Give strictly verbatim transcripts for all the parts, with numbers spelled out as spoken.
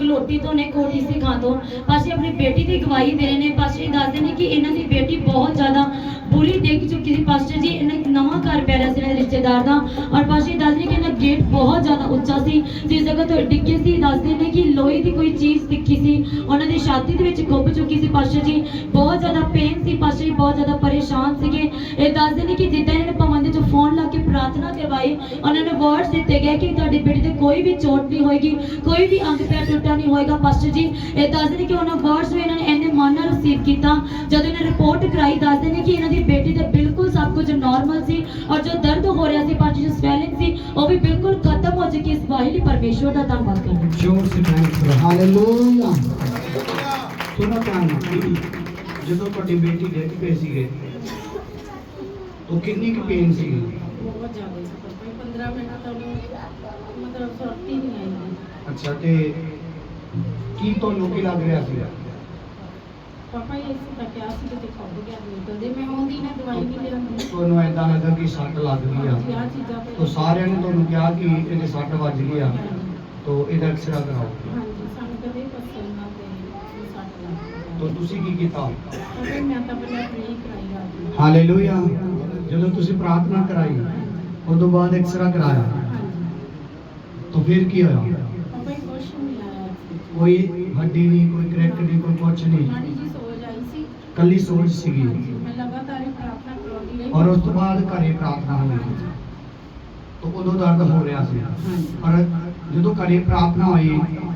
ਕਲੋਟੀ ਤੋਂ ਨੇ ਕੋਟੀ ਸਿਖਾਂ ਤੋਂ ਪਾਸ਼ੇ ਆਪਣੀ ਬੇਟੀ ਦੀ ਗਵਾਹੀ ਦੇ ਰਹੇ ਨੇ। ਪਾਸ਼ੇ ਦੱਸਦੇ ਨੇ ਕਿ ਇਹਨਾਂ ਦੀ ਬੇਟੀ ਬਹੁਤ ਜ਼ਿਆਦਾ ਬੁਰੀ ਡਿੱਗ ਚੁੱਕੀ ਸੀ ਪਾਸ਼ੇ ਜੀ। ਇਹਨਾਂ ਨਵਾਂ ਘਰ ਪੈ ਰਿਹਾ ਸੀ ਇਹਨਾਂ ਦੇ ਰਿਸ਼ਤੇਦਾਰ ਦਾ ਔਰ ਪਾਸ਼ੇ ਦੱਸਦੇ ਨੇ ਕਿ ਇਹਨਾਂ ਗੇਟ ਬਹੁਤ ਜ਼ਿਆਦਾ ਉੱਚਾ ਸੀ ਜਿਸ ਜਗ੍ਹਾ ਤੋਂ ਡਿੱਗੇ ਸੀ। ਦੱਸਦੇ ਨੇ ਕਿ ਲੋਹੇ ਦੀ ਕੋਈ ਚੀਜ਼ ਦਿਖੀ ਸੀ ਉਹਨਾਂ ਦੀ ਛਾਤੀ ਦੇ ਵਿੱਚ ਖੁੱਭ ਚੁੱਕੀ ਸੀ ਪਾਸ਼ੇ ਜੀ। ਬਹੁਤ ਜ਼ਿਆਦਾ ਪੇਨ ਸੀ ਪਾਸ਼ੇ ਜੀ, ਬਹੁਤ ਜ਼ਿਆਦਾ ਪਰੇਸ਼ਾਨ ਸੀਗੇ। ਇਹ ਦੱਸਦੇ ਨੇ ਕਿ ਜਿੱਦਾਂ ਇਹਨਾਂ ਨੇ ਭਵਨ ਦੇ ਚ ਫੋਨ ਲਾ ਕੇ ਪ੍ਰਾਰਥਨਾ ਕਰਵਾਈ ਉਹਨਾਂ ਨੇ ਵਰਡਸ ਦਿੱਤੇ ਗਏ ਕਿ ਤੁਹਾਡੀ ਬੇਟੀ ਤੇ ਕੋਈ ਵੀ ਚੋਟ ਨਹੀਂ ਹੋਏਗੀ, ਕੋਈ ਵੀ ਅੰਗ ਪੈਰ ਟੁੱਟਾ ਨਹੀਂ ਹੋਏਗਾ ਪਾਸ਼ੇ ਜੀ। ਇਹ ਦੱਸਦੇ ਨੇ ਕਿ ਉਹਨਾਂ ਵਰਡਸ ਨੂੰ ਇਹਨਾਂ ਨੇ ਇੰਨੇ ਮਨ ਨਾਲ ਰਿਸੀਵ ਕੀਤਾ। ਜਦੋਂ ਇਹਨਾਂ ਰਿਪੋਰਟ ਕਰਾਈ ਦੱਸਦੇ ਨੇ ਕਿ ਇਹਨਾਂ ਦੀ ਬੇਟੀ ਤੇ ਬਿਲਕੁਲ ਸਭ ਕੁਝ ਨਾਰਮਲ ਸੀ ਔਰ ਜੋ ਦਰਦ ਹੋ ਰਿਹਾ ਸੀ ਪਾਸ਼ੇ ਜੀ, ਸਵੈਲਿੰਗ ਸੀ, ਉਹ ਵੀ ਬਿਲਕੁਲ ਖਤਮ ਹੋ ਚੁੱਕੀ। ਇਸ ਵਾਹਿਲੀ ਪਰਮੇਸ਼ਵਰ ਦਾ ਧੰਨਵਾਦ ਕਰਦੇ ਹਾਂ। ਜੋਰ ਸੇ ਥੈਂਕਸ ਹਾਲੇਲੂਇਆ। ਸੁਣੋ ਧਿਆਨ ਨਾਲ, ਜਦੋਂ ਤੁਹਾਡੀ ਬੇਟੀ ਡਿੱਗ ਪਈ ਸੀਗੇ तो कितनी की पेन सी? बहुत ज़्यादा सी पापा, पंद्रह मिनट तक मतलब सुरत ही नहीं आई। अच्छा ते की तो लोकी लग रहा सी पापा ये सी तक क्या सी कि खब गया तो दे मैं होंदी ने दवाई भी ले आंदी ਤੁਹਾਨੂੰ ਐਦਾਂ ਲੱਗਾ ਕਿ ਸੱਟ ਲੱਗ ਗਈ ਆ आ चीज़ां पे तो साਰਿਆਂ ਨੇ ਤੁਹਾਨੂੰ ਕਿਹਾ ਕਿ ਇਹਦੇ ਸੱਟ ਵੱਜ ਗਈ ਆ तो ਇਹਦਾ ਐਕਸਰਾ ਕਰਾਓ। हाँ जी सानू कदे पसंद ना ते सट लग तो ਤੁਸੀਂ ਕੀ ਕੀਤਾ? पापा मैं तो पहले प्रे कराई रात ਨੂੰ। ਹਾਲੇਲੂਇਆ। ਜਦੋਂ ਤੁਸੀਂ ਪ੍ਰਾਰਥਨਾ ਕਰਾਈ ਉਸ ਤੋਂ ਬਾਅਦ ਐਕਸਰਾ ਕਰਾਇਆ हाँ जी तो फिर ਕੀ ਹੋਇਆ? पापा कुछ नहीं आया, ਕੋਈ ਹੱਡੀ ਨਹੀਂ, ਕੋਈ ਕਰੈਕ ਨਹੀਂ, ਕੋਈ ਕੁਛ ਨਹੀਂ, माड़ी जी सोच आई सी। ਕੱਲੀ ਸੋਚ ਸੀਗੀ। हाँ जी मैं लगातार ही प्रार्थना करती रही ਔਰ ਉਸ ਤੋਂ ਬਾਅਦ ਘਰੇ ਪ੍ਰਾਰਥਨਾ ਹੋਈ तो ਉਦੋਂ ਦਰਦ ਹੋ ਰਿਹਾ ਸੀ। हाँ जी ਪਰ ਜਦੋਂ ਘਰੇ ਪ੍ਰਾਰਥਨਾ ਹੋਈ हाँ जी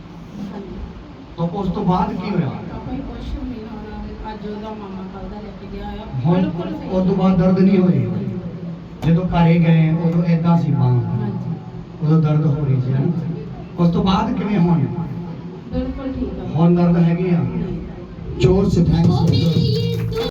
तो ਉਸ ਤੋਂ ਬਾਅਦ ਕੀ ਹੋਇਆ? ਪਾਪਾ ਹੀ ਕੁਛ ਨਹੀਂ ਹੋਣਾ। ਅੱਜ ਉਹਦਾ ਮਾਮਾ ਕੱਲ ਦਾ ਲੈ ਕੇ ਗਿਆ ਆ ਹੁਣ ਬਿਲਕੁਲ ਸਹੀ। ਉਸ ਤੋਂ ਬਾਅਦ ਦਰਦ ਨਹੀਂ ਹੋਈ। ਜਦੋਂ ਘਰੇ ਗਏ ਉਦੋਂ ਏਦਾਂ ਸੀ ਬਾਂਹ, ਹਾਂਜੀ ਉਦੋਂ ਦਰਦ ਹੋ ਰਹੀ ਸੀ ਹੈ ਨਾ? ਉਸ ਤੋਂ ਬਾਅਦ ਕਿਵੇਂ ਹੁਣ? ਬਿਲਕੁਲ ਠੀਕ ਆ। ਹੁਣ ਦਰਦ ਹੈਗੀ ਆ। ਨਹੀਂ। ਜ਼ੋਰ ਸੇ ਥੈਂਕਸ।